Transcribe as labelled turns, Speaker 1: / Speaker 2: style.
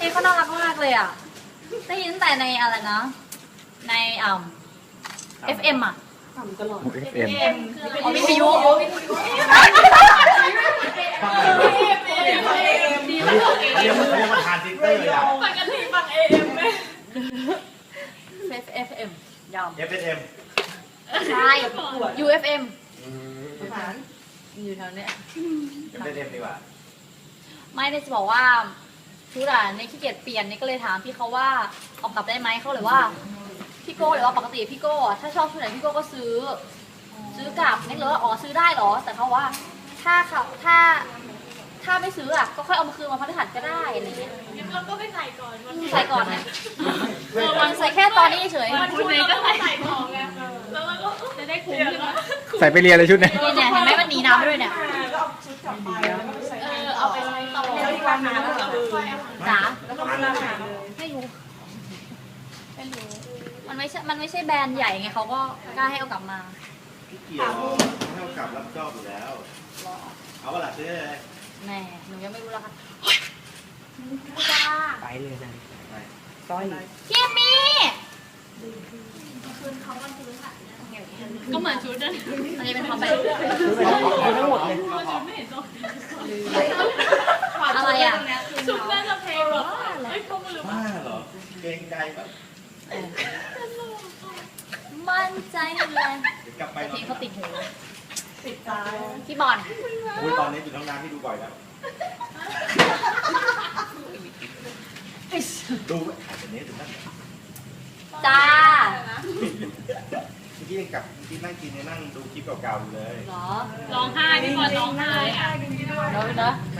Speaker 1: นี้เขาน่ารักมากเลยอ่ะได้ยินตั้งแต่ในอะไรนะในFM อ่ะ
Speaker 2: FM
Speaker 1: อ๋อวิทยุ
Speaker 3: เรียกว่าทานซิสเตอร์อ่ะ
Speaker 4: ปกติฟัง AM ไหม
Speaker 1: FM ยอม
Speaker 3: FSM
Speaker 1: ใช่ UFM อยู่แถวเนี้ย
Speaker 3: FSM ดีกว่า
Speaker 1: ไม่ได้จะบอกว่าชุดอ่ะในขี้เกียจเปลี่ยนนี่ก็เลยถามพี่เขาว่าออกกลับได้ไหมเขาเลยว่าพี่โก้เลยว่าปกติพี่โก้ถ้าชอบชุดไหนพี่โก้ก็ซื้อกลับนี่เลยว่าอ๋อซื้อได้เหรอแต่เขาว่าถ้าไม่ซื้ออ่ะก็ค่อยเอามาคืนมาพฤหัสก็ได้อะไรเงี้ย
Speaker 4: เราก็ไปใส่ก่อน
Speaker 1: ใส่ก่อนนะมันใส่แค่ตอนนี้เฉย
Speaker 4: วันพุธเราก็ใส่ของไงแล้วเราก็จะได้คุ้มใช่ไหม
Speaker 2: ใส่ไปเรียนเลยชุดเนี่ย
Speaker 1: เนี่ยเห็นไหมมันหนีน้ำด้วยเนี่ย
Speaker 4: เอาไปใช้ต่อแล้วอีกวันนึงแล้วก็ค่อยเอา
Speaker 1: จ๋า
Speaker 4: แล้วก็มาหาเลย
Speaker 1: ไม่รู้มันไม่ใช่แบรนด์ใหญ่ไงเขาก็กล้าให้เอากลับมา
Speaker 3: พี่เกียร์ให้เอากลับรับจอบอยู่แล้ว เอาเวลาซื้อเลย
Speaker 1: แน่หนูยังไม่รู้แล้วค่ะจ้า
Speaker 2: ไปเลยนะ
Speaker 3: ไป
Speaker 2: ต้อย
Speaker 1: พี่มี่
Speaker 4: ก็เหมือนชุดนั่น
Speaker 1: อันนี้เป็นความไป
Speaker 2: ทั้งหมดเลย
Speaker 4: ไม่เห็นตรง
Speaker 1: อะไรอ่ะ
Speaker 4: ชุดน่าจะเพลงหรอไอ้พวกมันหรือ
Speaker 3: บ้าเหรอ เกรงใจปะ
Speaker 1: มั่นใจเลย
Speaker 3: เดี๋ยวกลับไป
Speaker 1: เพลงเขาติดหู
Speaker 4: ติดตา
Speaker 1: พี่บอล
Speaker 3: อุ้ยตอนนี้อยู่ท้องน้ำที่ดูบ่อยแล้วดูถ่ายแบบนี้ถึงนั่น
Speaker 1: จ้า
Speaker 3: เมื่อกี้ยังกลับเมื่อกี้นั่งกินยังนั่งดูคลิปเก่าๆอยู่เลย
Speaker 1: เหรอ
Speaker 4: ร้องไห้พี่บอลร้องไห้อ่ะ
Speaker 1: เดี๋ยวนะ
Speaker 3: ไม่